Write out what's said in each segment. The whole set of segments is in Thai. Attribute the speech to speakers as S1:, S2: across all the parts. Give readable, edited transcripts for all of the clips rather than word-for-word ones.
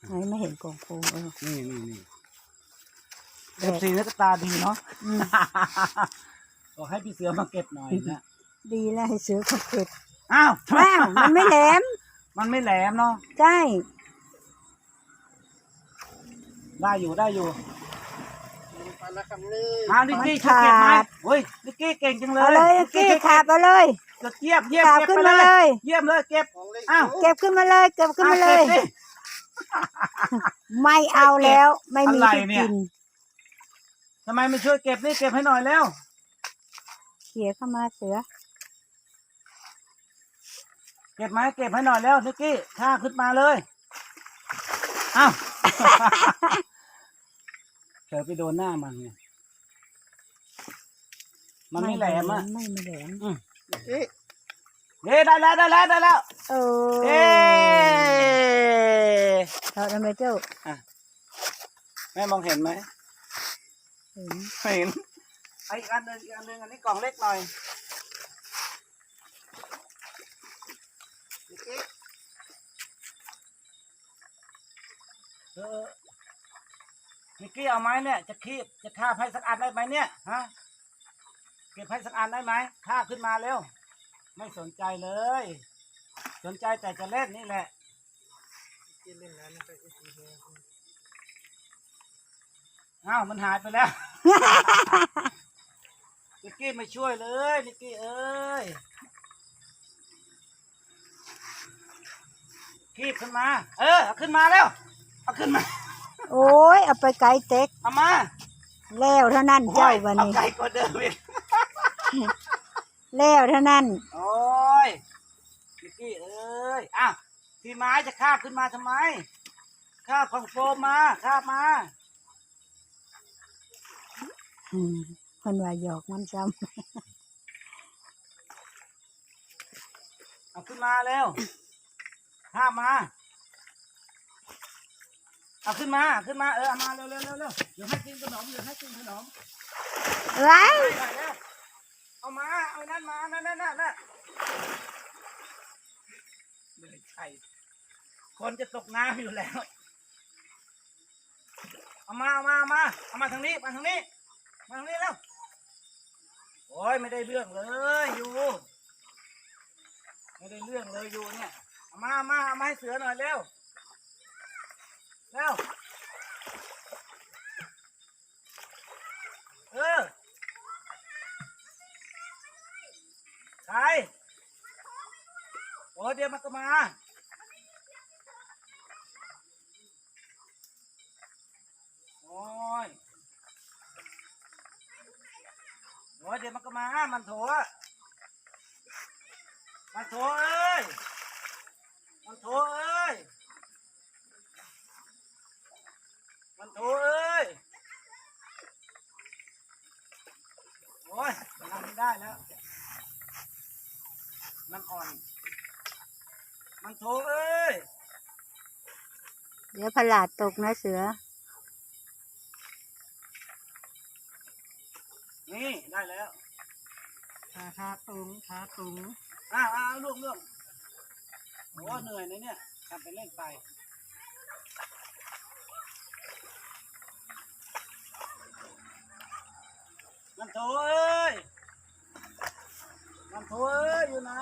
S1: ไม่เห็นกล่องโฟม
S2: นี่FCนักตาดีเนาะบอกให้พี่เสือมาเก็บหน่อยนะ
S1: ดีแล้วให้เสือเขาเก็บ
S2: อ้าว
S1: มันไม่แหลม
S2: มันไม่แหลมเนาะ
S1: ใช่
S2: ได้อยู่มานิกกี้
S1: ขาด
S2: ช่วยเก็บไหมเฮ้ยนิกกี้เก่งจังเลย
S1: เอาเลยนิกกี้ขาบเอาเลย
S2: เยี่ยม
S1: ขึ้นมาเลย
S2: เยี่ยมเลยเก็บอ้าว
S1: เก็บขึ้นมาเลยไม่เอาแล้วไม่มีที่กิน
S2: ทำไมไม่ช่วยเก็บนี่เก็บให้หน่อยแล้ว
S1: เขี่ยเข้ามาเสือ
S2: เก็บไหมเก็บให้หน่อยแล้วนิกกี้ข้าขึ้นมาเลยอ้าวเธอไปโดนหน้ามันไงมันไม่แหลมอ่ะ
S1: ไม่แหลม
S2: ได้แล้วเอ๊
S1: เราทำไมเจ้า
S2: แม่มองเห็นไหม
S1: เห็น
S2: อีกอันหนึ่งอันนี้กล่องเล็กหน่อยนิกกี้เอาไม้เนี่ยจะฆ่าให้สักอันได้ไหมเนี่ยฮะเก็บให้สักอันได้ไหมฆ่าขึ้นมาเร็วไม่สนใจเลยสนใจแต่จะเล่นนี่แหละอ้าวมันหายไปแล้วนิกกี้ไม่ช่วยเลยนิกกี้เอ้ยคีบขึ้นมาเอาขึ้นมาแล้วเอาขึ้นมา
S1: โอ้ยเอาไปไกลเต็ก
S2: เอามา
S1: แล้วเท่านั้นเจ้าวันนี้
S2: ไกลกว่าเดิมอีก
S1: แล้วเท่านั้น
S2: โอ้ยนิกกี้เอ้ยอ้าวที่ไม้จะคาบขึ้นมาทำไมคาบของโฟมมาคาบมา
S1: คนว่าหยอกมันซ้ำ
S2: เอาขึ้นมาเร็วคาบมาเอาขึ้นมาเอามาเร็วเดี๋ยวให้กินขนม
S1: ไร
S2: เอามาเอานั่นมานั่นเลยใช่คนจะตกน้ำอยู่แล้วเอามาทางนี้มาทางนี้แล้วโอ้ยไม่ได้เรื่องเลยอยู่ไม่ได้เรื่องเลยอยู่เนี่ยเอามาให้เสือหน่อยเร็วใครโอ้เดี๋ยวมันก็มาโอ้ยเดี๋ยวมันก็มามันโถเอ้ยมันโถเอ้ยโอ้ยมันทำไม่ได้แล้วมันอ่อนมันโถเอ้ย
S1: เดี๋ยวพลาดตกนะเสือ
S2: นี่ได้แล้ว
S1: ขาตุง
S2: ลูกโอ้เหนื่อยนะเนี่ยทำไปเล่นไปมันโถเอ้ยอยู่ไหน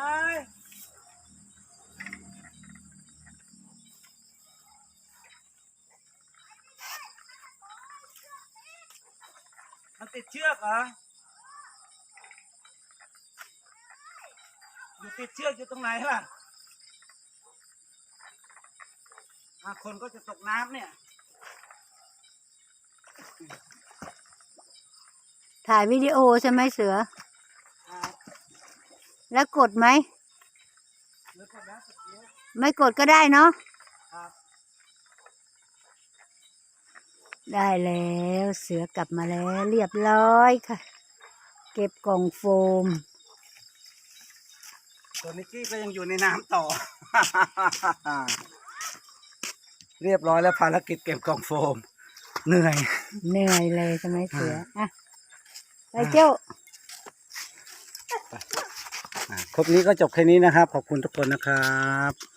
S2: มันติดเชือกเหรอติดเชือกอยู่ตรงไหนล่ะคนก็จะตกน้ำเนี่ย
S1: ถ่ายวิดีโอใช่ไหมเสือแล้วกดไหมไม่กดก็ได้เนาะได้แล้วเสือกลับมาแล้วเรียบร้อยค่ะเก็บกล่องโฟม
S2: ตัวนิกกี้ก็ยังอยู่ในน้ำต่อ เรียบร้อยแล้วภารกิจเก็บกล่องโฟมเหนื่อย
S1: เลยใช่ไหมเสือไปเจ้า
S2: คลิปนี้ก็จบแค่นี้นะครับขอบคุณทุกคนนะครับ